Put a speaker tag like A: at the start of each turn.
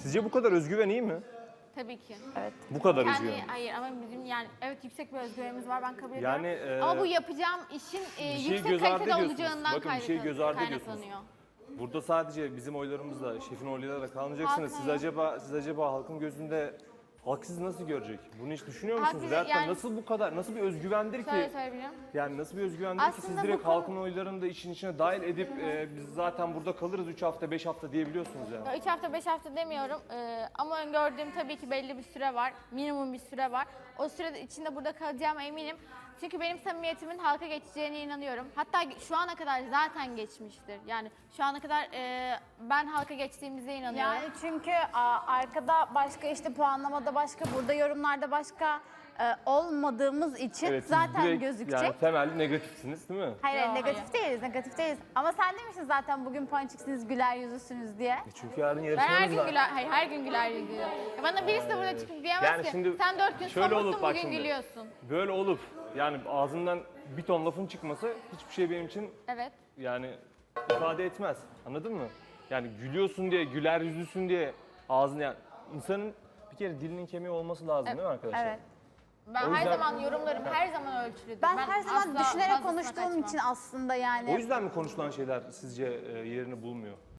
A: Sizce bu kadar özgüven iyi mi?
B: Tabii ki.
C: Evet.
A: Bu kadar
B: Kendi,
A: özgüven.
B: hayır ama bizim yani evet yüksek bir özgüvenimiz var ben kabul
A: Yani,
B: ediyorum. Ama bu yapacağım işin
A: şeyi
B: yüksek
A: göz ardı
B: kalitede
A: ediyorsunuz.
B: olacağından
A: Bakın, bir şeyi göz ardı ediyorsunuz.
B: kaynaklanıyor.
A: Burada sadece bizim oylarımızla, şefin oylarıyla da kalmayacaksınız.
B: Halkın
A: Siz acaba halkın gözünde halk sizi nasıl görecek? Bunu hiç düşünüyor musunuz?
B: bizi-
A: Veyahut da
B: yani-
A: nasıl bu kadar, nasıl bir özgüvendir ki?
B: Şöyle söyleyebilirim.
A: Yani nasıl bir özgüvendir ki siz
B: Aslında
A: direkt
B: bu konu-
A: halkın oylarını da işin içine dahil edip biz zaten burada kalırız 3 hafta 5 hafta diyebiliyorsunuz yani.
B: 3 hafta 5 hafta demiyorum ama öngördüğüm tabii ki belli bir süre var. Minimum bir süre var. O sürede içinde burada kalacağıma eminim. Çünkü benim samimiyetimin halka geçeceğine inanıyorum. Hatta şu ana kadar zaten geçmiştir. Yani şu ana kadar ben halka geçtiğimize inanıyorum.
C: Yani çünkü arkada başka işte puanlamada başka, burada yorumlarda başka olmadığımız için
A: Evet, siz
C: zaten
A: direkt
C: gözükecek.
A: Yani temelli negatifsiniz değil mi?
C: Hayır,
B: Yo,
C: negatif değiliz, negatif değiliz. Ama sen demiştin zaten bugün ponçiksiniz, güler yüzlüsünüz diye.
A: Çünkü yarın
B: Ben her
A: yarışmamız
B: gün
A: var.
B: güler, hayır her gün güler yüzüyorum. Bana birisi de burada çıkıp diyemez
A: Yani
B: ki
A: şimdi
B: sen 4 gün
A: şöyle olup
B: somurtsun
A: bak
B: bugün
A: şimdi.
B: gülüyorsun.
A: Böyle olup yani ağzından bir ton lafın çıkması hiçbir şey benim için
B: Evet.
A: yani ifade etmez. Anladın mı? Yani gülüyorsun diye, güler yüzlüsün diye ağzını yani insanın bir kere dilinin kemiği olması lazım değil mi arkadaşlar?
C: Evet.
B: Ben
A: O
B: her
A: yüzden-
B: zaman yorumlarım her zaman ölçülüdür.
C: Ben her zaman
B: asla
C: düşünerek
B: fazlasına
C: konuştuğum
B: kaçmam.
C: için aslında yani.
A: O yüzden mi konuşulan şeyler sizce yerini bulmuyor?